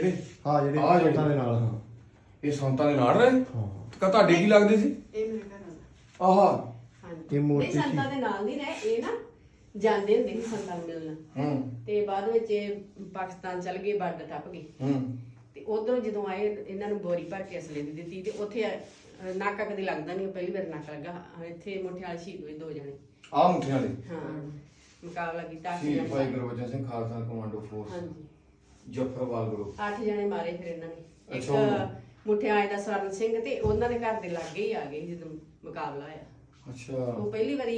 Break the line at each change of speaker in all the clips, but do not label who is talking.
ਹਾਂ ਜਿਹੜੇ ਸੰਤਾਂ ਦੇ ਨਾਲ। ਹਾਂ
ਇਹ ਸੰਤਾਂ ਦੇ ਨਾਲ ਰਹੇ।
ਹਾਂ
ਕਾ ਤੁਹਾਡੇ ਕੀ ਲੱਗਦੇ ਸੀ?
ਇਹ ਮੇਰੇ ਘਰ ਵਾਲਾ।
ਆਹਾ
ਹਾਂਜੀ
ਇਹ ਮੂਰਤੀ
ਨਹੀਂ, ਸੰਤਾਂ ਦੇ ਨਾਲ ਨਹੀਂ ਰਹੇ ਇਹ ਨਾ, ਜਾਂਦੇ ਹੁੰਦੇ ਸੀ ਸੰਤਾਂ ਨੂੰ ਮਿਲਣ। ਤੇ ਬਾਅਦ ਵਿੱਚ ਇਹ ਪਾਕਿਸਤਾਨ ਚਲ ਗਏ, ਬਾਰਡਰ ਟੱਪ ਗਏ। ਤੇ ਉਧਰੋਂ ਜਦੋਂ ਆਏ ਇਹਨਾਂ ਨੂੰ ਬੋਰੀ ਭਰ ਕੇ ਅਸਲੇ ਦੀ ਦਿੱਤੀ ਤੇ ਉੱਥੇ ਨਾਕਾ ਕਦੇ ਲੱਗਦਾ ਨਹੀਂ, ਪਹਿਲੀ ਵਾਰ ਨਾਕਾ ਲੱਗਾ। ਇੱਥੇ ਮੁਠਿਆਲ ਸ਼ਹੀਦ ਹੋਏ 2 ਜਣੇ।
ਆ ਮੁੱਠਿਆਂ ਵਾਲੇ
ਹਾਂ ਮੁਕਾਬਲਾ ਕੀਤਾ।
ਸ਼ਹੀਦ ਭਾਈ ਗੁਰਬਚਨ ਸਿੰਘ ਖਾਲਸਾ ਕਮਾਂਡੋ ਫੋਰਸ
ਹਾਂਜੀ
ਜਫਰਵਾਲ ਗਰੁੱਪ
8 ਜਣੇ ਮਾਰੇ ਫਿਰ ਇਹਨਾਂ ਨੇ। ਇੱਕ
ਅੱਛਾ।
ਮੁਠਿਆਲੇ ਦਾ ਸਵਰਨ ਸਿੰਘ ਤੇ ਉਹਨਾਂ ਦੇ ਘਰ ਦੇ ਲਾਗੇ ਹੀ ਆ ਗਏ ਜਦੋਂ ਮੁਕਾਬਲਾ ਹੋਇਆ।
ਅੱਛਾ।
ਉਹ ਪਹਿਲੀ ਵਾਰੀ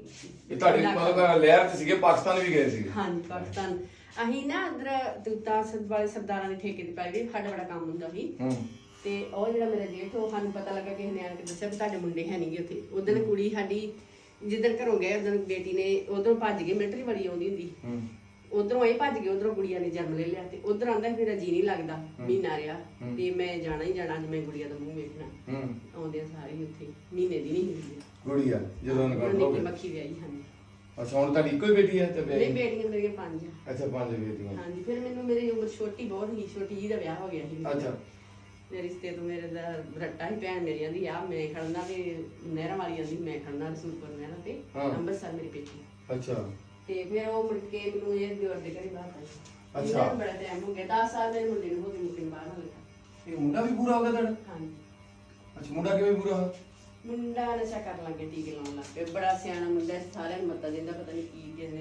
ਇਹ ਤੁਹਾਡੇ ਮਤਲਬ ਲਹਿਰ ਚ ਸੀਗੇ, ਪਾਕਿਸਤਾਨ ਵੀ ਗਏ ਸੀਗੇ?
ਹਾਂਜੀ ਪਾਕਿਸਤਾਨ। ਅਸੀਂ ਨਾ ਅੰਦਰ ਦੂਤਾ ਵਾਲੇ ਸਰਦਾਰਾਂ ਦੇ ਠੇਕੇ ਤੇ ਪੈ ਗਏ, ਸਾਡਾ ਬੜਾ ਕੰਮ ਹੁੰਦਾ ਸੀ। ਤੇ ਉਹ ਜਿਹੜਾ ਮੇਰਾ ਜੇਠ, ਉਹ ਸਾਨੂੰ ਪਤਾ ਲੱਗਾ ਕਿਸੇ ਨੇ ਆ ਕੇ ਦੱਸਿਆ ਵੀ ਤੁਹਾਡੇ ਮੁੰਡੇ ਹੈ ਨਹੀਂਗੇ ਉੱਥੇ। ਉਦੋਂ ਕੁੜੀ ਸਾਡੀ ਜਿੱਦਣ ਘਰੋਂ ਗਏ ਉਦੋਂ ਬੇਟੀ ਨੇ ਉਧਰੋਂ ਭੱਜ ਗਏ, ਮਿਲਟਰੀ ਵਾਲੀ ਆਉਂਦੀ ਹੁੰਦੀ, ਉਧਰੋਂ ਇਹ ਭੱਜ ਗਏ, ਉਧਰੋਂ ਗੁੜੀਆ ਨੇ ਜਨਮ ਲੈ ਲਿਆ। ਤੇ ਉਧਰ ਆਂਦਾ ਮੇਰਾ ਜੀ ਨਹੀਂ ਲੱਗਦਾ, ਮਹੀਨਾ ਰਿਹਾ ਤੇ ਮੈਂ ਜਾਣਾ ਹੀ ਜਾਣਾ, ਅੱਜ ਮੈਂ ਗੁੜੀਆ ਦਾ ਮੂੰਹ ਵੇਖਣਾ। ਆਉਂਦੇ ਸਾਰੇ ਉੱਥੇ ਮਹੀਨੇ ਦੀ ਨਹੀਂ ਹੁੰਦੀ
ਗੁੜੀਆ ਜਦੋਂ
ਨਿੱਕੀ ਮੱਖੀ ਵਿਆਹੀ। ਹਾਂਜੀ
ਅੱਛਾ। ਹੁਣ ਤੁਹਾਡੀ ਇੱਕੋ ਹੀ ਬੇਟੀ ਹੈ ਤੇ
ਨਹੀਂ, ਬੇਟੀਆਂ ਮੇਰੀਆਂ 5 ਆ।
ਅੱਛਾ 5 ਬੇਟੀਆਂ।
ਹਾਂਜੀ ਫਿਰ ਮੈਨੂੰ ਮੇਰੀ ਉਮਰ ਛੋਟੀ ਬਹੁਤ ਹੀ, ਛੋਟੀ ਜੀ ਦਾ ਵਿਆਹ ਹੋ ਗਿਆ ਸੀ।
ਅੱਛਾ।
ਮੇਰੇ ਰਿਸ਼ਤੇ ਤੋਂ ਮੇਰੇ ਦਾ ਰੱਟਾ ਹੀ ਭੈਣ ਮੇਰੀ ਆਂਦੀ ਆ ਮੈਂ ਖੜਨਾ ਤੇ ਨਹਿਰਾਂ ਵਾਲੀ ਆਂਦੀ ਮੈਂ ਖੜਨਾ ਰਸੂਲਪੁਰ ਨਹਿਰਾਂ ਤੇ ਅੰਮ੍ਰਿਤਸਰ ਮੇਰੀ ਪੇਟੀ।
ਅੱਛਾ।
ਤੇ ਫਿਰ ਉਹ ਮੁੜ ਕੇ ਮੈਨੂੰ ਇਹ ਦਿਓਰ ਦੇ ਘਰੇ ਬਾਹਰ ਆਈ।
ਅੱਛਾ।
ਬੜਾ ਟਾਈਮ ਹੋ ਗਿਆ, 10 ਸਾਲ ਮੇਰੇ ਮੁੰਡੇ ਨੂੰ ਹੋ ਗਏ, ਮੁੰਡੇ ਨੂੰ ਬਾਹਰ ਹੋ ਗਿਆ।
ਇਹ ਮੁੰਡਾ ਵੀ ਪੂਰਾ ਹੋ ਗਿਆ ਤੁਹਾਡਾ?
ਹਾਂਜੀ।
ਅੱਛਾ ਮੁੰਡਾ ਕਿਵੇਂ ਪੂਰਾ ਹੋਇਆ?
ਮੁੰਡਾ ਨਸ਼ਾ ਕਰਨ ਲੱਗੇ, ਟੀਕੇ ਲਾਉਣ ਲੱਗ ਪਿਆ। ਬੜਾ ਸਿਆਣਾ ਮੁੰਡਾ, ਸਾਰਿਆਂ ਨੂੰ ਮੱਤਾ ਦਿੰਦਾ, ਪਤਾ ਨਹੀਂ ਕੀ ਕਿਸਨੇ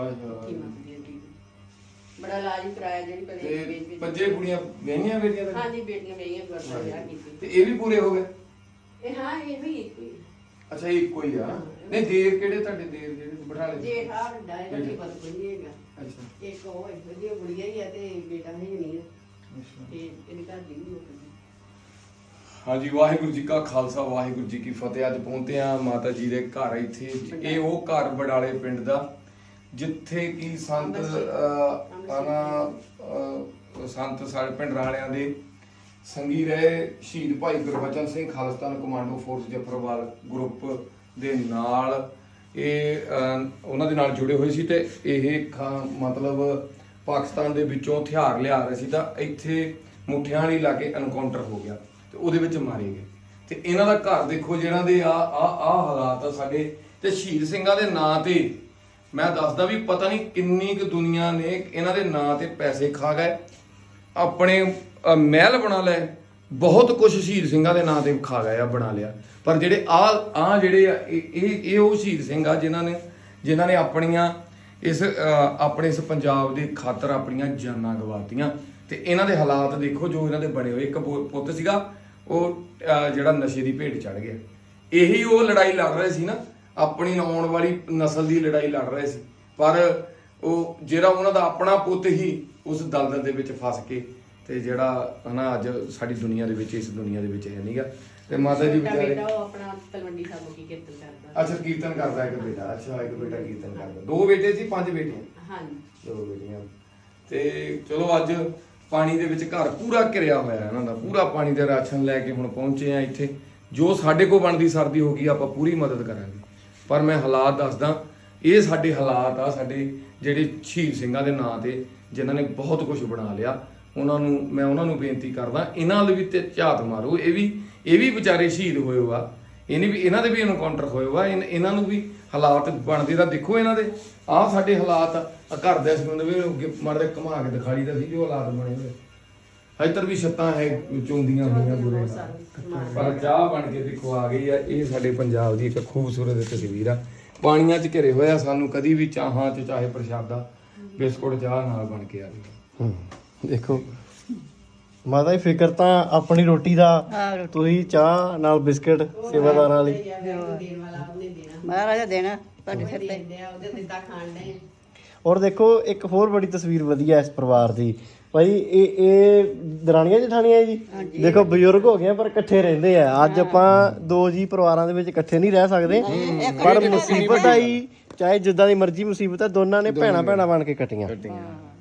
ਕੀ ਮੱਤ ਦਿੰਦੀ। ਬੜਾ ਇਲਾਜ ਕਰਾਇਆ, ਜਿਹੜੀ
ਤੇ 5 ਕੁੜੀਆਂ ਵਿਆਹੀਆਂ ਬੇਟੀਆਂ?
ਹਾਂਜੀ ਬੇਟੀਆਂ ਵਿਆਹੀਆਂ, ਗੁਰਦਾ ਵਿਆਹ ਕੀਤੀ।
ਤੇ ਇਹ ਵੀ ਪੂਰੇ ਹੋ ਗਏ?
ਇਹ ਹਾਂ ਇਹ ਵੀ ਇੱਕ ਹੀ।
ਅੱਛਾ ਇਹ ਇੱਕੋ ਹੀ ਆ। ਨਹੀਂ ਦੇਰ ਕਿਹੜੇ ਤੁਹਾਡੇ ਦੇਰ ਜਿਹੜੇ ਬਠਾਲੇ?
ਜੇਠ ਆ ਵੱਡਾ ਹੈ, ਕੋਈ ਪਤਾ ਕੋਈ ਨਹੀਂ ਹੈਗਾ।
ਅੱਛਾ।
ਇੱਕ ਉਹ ਹੈ ਵਧੀਆ ਗੁੜੀਆ ਹੀ ਆ ਤੇ ਬੇਟਾ ਹੈ ਨਹੀਂ।
ਅੱਛਾ।
ਤੇ ਇਹਦੇ ਘਰ ਦੀ ਵੀ ਮੁੱਕ ਗਈ।
ਹਾਂਜੀ ਵਾਹਿਗੁਰੂ ਜੀ ਕਾ ਖਾਲਸਾ ਵਾਹਿਗੁਰੂ ਜੀ ਕੀ ਫਤਿਹ। ਅੱਜ ਪਹੁੰਚੇ ਆ ਮਾਤਾ ਜੀ ਦੇ ਘਰ। ਇੱਥੇ ਇਹ ਉਹ ਘਰ ਬਡਾਲੇ ਪਿੰਡ ਦਾ ਜਿੱਥੇ ਕਿ ਸੰਤ ਸਾਡੇ ਪਿੰਡ ਰਾਲਿਆਂ ਦੇ ਸੰਗੀ ਰਹੇ ਸ਼ਹੀਦ Bhai Gurbachan Singh Khalistan commando force Zafarwal group ਦੇ ਨਾਲ ਇਹ ਉਹਨਾਂ ਦੇ ਨਾਲ ਜੁੜੇ ਹੋਏ ਸੀ। ਤੇ ਇਹ ਮਤਲਬ ਪਾਕਿਸਤਾਨ ਦੇ ਵਿੱਚੋਂ ਹਥਿਆਰ ਲਿਆ ਰਹੇ ਸੀ ਤਾਂ ਇੱਥੇ ਮੁੱਠਿਆਂ ਵਾਲੀ ਲਾਗੇ ਐਨਕਾਊਂਟਰ ਹੋ ਗਿਆ ਤੇ ਉਹਦੇ ਵਿੱਚ ਮਾਰੇ ਗਏ। ਤੇ ਇਹਨਾਂ ਦਾ ਘਰ ਦੇਖੋ, ਜਿਹਨਾਂ ਦੇ ਆ ਹਾਲਾਤ ਆ ਸਾਡੇ। ਤੇ ਸ਼ਹੀਦ ਸਿੰਘਾਂ ਦੇ ਨਾਂ ਤੇ ਮੈਂ ਦੱਸਦਾ ਵੀ ਪਤਾ ਨਹੀਂ ਕਿੰਨੀ ਕੁ ਦੁਨੀਆ ਨੇ ਇਹਨਾਂ ਦੇ ਨਾਂ ਤੇ ਪੈਸੇ ਖਾ ਗਏ, ਆਪਣੇ ਮਹਿਲ ਬਣਾ ਲਏ, ਬਹੁਤ ਕੁਝ ਸ਼ਹੀਦ ਸਿੰਘਾਂ ਦੇ ਨਾਂ ਤੇ ਖਾ ਗਏ ਆ, ਬਣਾ ਲਿਆ। ਪਰ ਜਿਹੜੇ ਆ ਜਿਹੜੇ ਆ ਇਹ ਉਹ ਸ਼ਹੀਦ ਸਿੰਘ ਆ ਜਿਨ੍ਹਾਂ ਨੇ ਆਪਣੀਆਂ ਆਪਣੇ ਇਸ ਪੰਜਾਬ ਦੇ ਖਾਤਰ ਆਪਣੀਆਂ ਜਾਨਾਂ ਗਵਾਤੀਆਂ। ਤੇ ਇਹਨਾਂ ਦੇ ਹਾਲਾਤ ਦੇਖੋ ਜੋ ਇਹਨਾਂ ਦੇ ਬਣੇ ਹੋਏ। ਇੱਕ ਪੁੱਤ ਸੀਗਾ ਉਹ ਜਿਹੜਾ ਨਸ਼ੇ ਦੀ ਭੇਟ ਚੜ ਗਿਆ। ਇਹੀ ਉਹ ਲੜਾਈ ਲੜ ਰਹੇ ਸੀ ਨਾ, ਆਪਣੀ ਆਉਣ ਵਾਲੀ ਨਸਲ ਦੀ ਲੜਾਈ ਲੜ ਰਹੇ ਸੀ। ਪਰ ਉਹ ਜਿਹੜਾ ਉਹਨਾਂ ਦਾ ਆਪਣਾ ਪੁੱਤ ਹੀ ਉਸ ਦਲਦਲ ਦੇ ਵਿੱਚ ਫਸ ਕੇ ਤੇ ਜਿਹੜਾ ਹਨਾ ਅੱਜ ਸਾਡੀ ਦੁਨੀਆ ਦੇ ਵਿੱਚ, ਇਸ ਦੁਨੀਆ ਦੇ ਵਿੱਚ ਹੈ ਨਹੀਂਗਾ। ਤੇ ਮਾਤਾ ਜੀ ਵਿਚਾਰੇ
ਉਹ ਆਪਣਾ ਤਲਵੰਡੀ ਸਾਹਿਬ ਕੀ ਕੀਰਤਨ ਕਰਦਾ।
ਅੱਛਾ ਕੀਰਤਨ ਕਰਦਾ ਇੱਕ ਬੇਟਾ। ਅੱਛਾ ਇੱਕ ਬੇਟਾ ਕੀਰਤਨ ਕਰਦਾ। 2 ਬੇਟੇ ਸੀ 5 ਬੇਟੀਆਂ?
ਹਾਂਜੀ
2 ਬੇਟੀਆਂ। ਤੇ ਚਲੋ ਅੱਜ ਪਾਣੀ ਦੇ ਵਿੱਚ ਘਰ ਪੂਰਾ ਘਿਰਿਆ ਹੋਇਆ ਇਹਨਾਂ ਦਾ, ਪੂਰਾ ਪਾਣੀ ਦੇ ਰਾਸ਼ਨ ਲੈ ਕੇ ਹੁਣ ਪਹੁੰਚੇ ਆ ਇੱਥੇ। ਜੋ ਸਾਡੇ ਕੋਲ ਬਣਦੀ ਸਰਦੀ ਹੋ ਗਈ ਆਪਾਂ ਪੂਰੀ ਮਦਦ ਕਰਾਂਗੇ। ਪਰ ਮੈਂ ਹਾਲਾਤ ਦੱਸਦਾ, ਇਹ ਸਾਡੇ ਹਾਲਾਤ ਆ, ਸਾਡੇ ਜਿਹੜੇ ਸ਼ਹੀਦ ਸਿੰਘਾਂ ਦੇ ਨਾਂ ਤੇ ਜਿਨ੍ਹਾਂ ਨੇ ਬਹੁਤ ਕੁਝ ਬਣਾ ਲਿਆ। ਉਹਨਾਂ ਨੂੰ ਬੇਨਤੀ ਕਰਦਾ, ਇਹਨਾਂ ਲਈ ਵੀ ਤੇ ਝਾਤ ਮਾਰੋ। ਇਹ ਵੀ ਵਿਚਾਰੇ ਸ਼ਹੀਦ ਹੋਏ ਆ, ਇਹਨਾਂ ਦੇ ਵੀ ਐਨਕਾਊਂਟਰ ਹੋਏ ਆ। ਇਹਨਾਂ ਨੂੰ ਵੀ ਹਾਲਾਤ ਬਣਦੇ ਤਾਂ ਦੇਖੋ ਇਹਨਾਂ ਦੇ। ਆਹ ਸਾਡੇ ਹਾਲਾਤ ਆ ਘਰ ਦੇ ਸੰਬੰਧ ਵਿੱਚ ਮਾਰੇ ਘੁਮਾ ਕੇ ਦਿਖਾ ਲਈ ਤਾਂ ਸੀ ਜੋ ਹਾਲਾਤ ਬਣੇ ਹੋਏ। ਇੱਧਰ ਵੀ ਛੱਤਾਂ ਹੈ ਚੌਂਦੀਆਂ ਹੋਈਆਂ ਬੁਰੇ, ਪਰ ਚਾਹ ਬਣ ਕੇ ਦੇਖੋ ਆ ਗਈ ਆ। ਇਹ ਸਾਡੇ ਪੰਜਾਬ ਦੀ ਇੱਕ ਖੂਬਸੂਰਤ ਤਸਵੀਰ ਆ। ਪਾਣੀਆਂ 'ਚ ਘਿਰੇ ਹੋਇਆ, ਸਾਨੂੰ ਕਦੀ ਵੀ ਚਾਹਾਂ 'ਚ ਚਾਹੇ ਪ੍ਰਸ਼ਾਦਾ ਬਿਸਕੁਟ ਚਾਹ ਨਾਲ ਬਣ ਕੇ ਆ ਗਈ।
ਦੇਖੋ ਮਾਤਾ ਜੀ, ਫਿਕਰ ਤਾਂ ਆਪਣੀ ਰੋਟੀ ਦਾ, ਤੁਸੀਂ ਚਾਹ ਨਾਲ ਬਿਸਕਟ ਸੇਵਾਦਾਰਾਂ ਲਈ।
ਦੇਣ ਵਾਲਾ ਉਹਨੇ ਦੇਣਾ,
ਮਹਾਰਾਜਾ ਦੇਣਾ ਤੁਹਾਡੇ ਸਿਰ ਤੇ।
ਦਿੰਦੇ ਆ, ਉਹਦੇ ਦਿੱਤਾ ਖਾਣ ਦੇ।
ਔਰ ਦੇਖੋ ਇੱਕ ਹੋਰ ਬੜੀ ਤਸਵੀਰ ਵਧੀਆ ਇਸ ਪਰਿਵਾਰ ਦੀ ਭਾਈ। ਇਹ ਦਰਾਣੀਆਂ ਜਠਾਣੀਆਂ ਜੀ, ਦੇਖੋ ਬਜ਼ੁਰਗ ਹੋ ਗਏ ਪਰ ਇਕੱਠੇ ਰਹਿੰਦੇ ਆ। ਅੱਜ ਆਪਾਂ 2 ਜੀ ਪਰਿਵਾਰਾਂ ਦੇ ਵਿੱਚ ਇਕੱਠੇ ਨਹੀਂ ਰਹਿ ਸਕਦੇ, ਪਰ ਮੁਸੀਬਤ ਆਈ ਚਾਹੇ ਜਿੱਦਾਂ ਦੀ ਮਰਜ਼ੀ ਮੁਸੀਬਤ ਆ, ਦੋਨਾਂ ਨੇ ਭੈਣਾਂ ਬਣ ਕੇ ਕੱਟੀਆਂ।